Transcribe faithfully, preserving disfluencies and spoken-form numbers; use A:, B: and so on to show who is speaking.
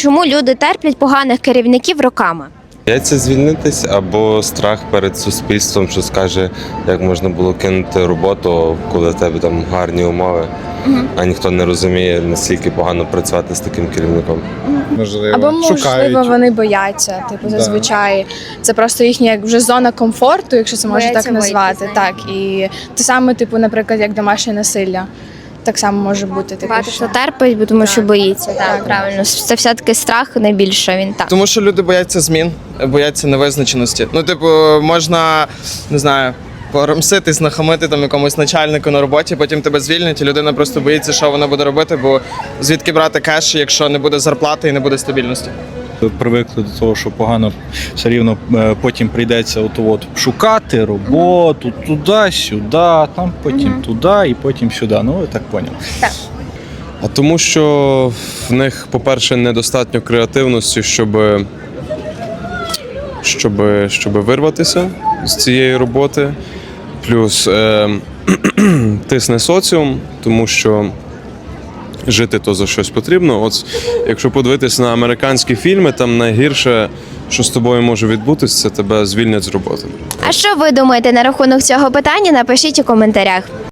A: чому люди терплять поганих керівників роками?
B: Бояться звільнитись або страх перед суспільством, що скаже, як можна було кинути роботу, коли в тебе там гарні умови, угу. а ніхто не розуміє, наскільки погано працювати з таким керівником.
C: Можливо,
D: Або, можливо,
C: шукають.
D: вони бояться, типу,
C: Да.
D: зазвичай. Це просто їхня як вже зона комфорту, якщо це можна
A: Бояться
D: так назвати.
A: вийти з
D: Так, і те саме, типу, наприклад, як домашнє насилля. Так само може бути. Типу,
A: Багато
D: що...
A: хто терпить, бо тому що
D: Так.
A: боїться. Так,
D: Так.
A: правильно. Це все-таки страх найбільше, він так.
E: Тому що люди бояться змін, бояться невизначеності. Ну, типу, можна, не знаю, порамситись, нахамити там якомусь начальнику на роботі, потім тебе звільнять, і людина просто боїться, що вона буде робити, бо звідки брати кеш, якщо не буде зарплати і не буде стабільності.
F: Привикли до того, що погано все рівно е, потім прийдеться от, от, шукати роботу, туди, сюди, там потім туди і потім сюди. Ну, ви так поняли.
B: А тому що в них, по-перше, недостатньо креативності, щоб, щоб, щоб вирватися з цієї роботи. Плюс е, тисне соціум, тому що жити то за щось потрібно. От якщо подивитися на американські фільми, там найгірше, що з тобою може відбутися, це тебе звільнять з роботи.
A: А що ви думаєте на рахунок цього питання? Напишіть у коментарях.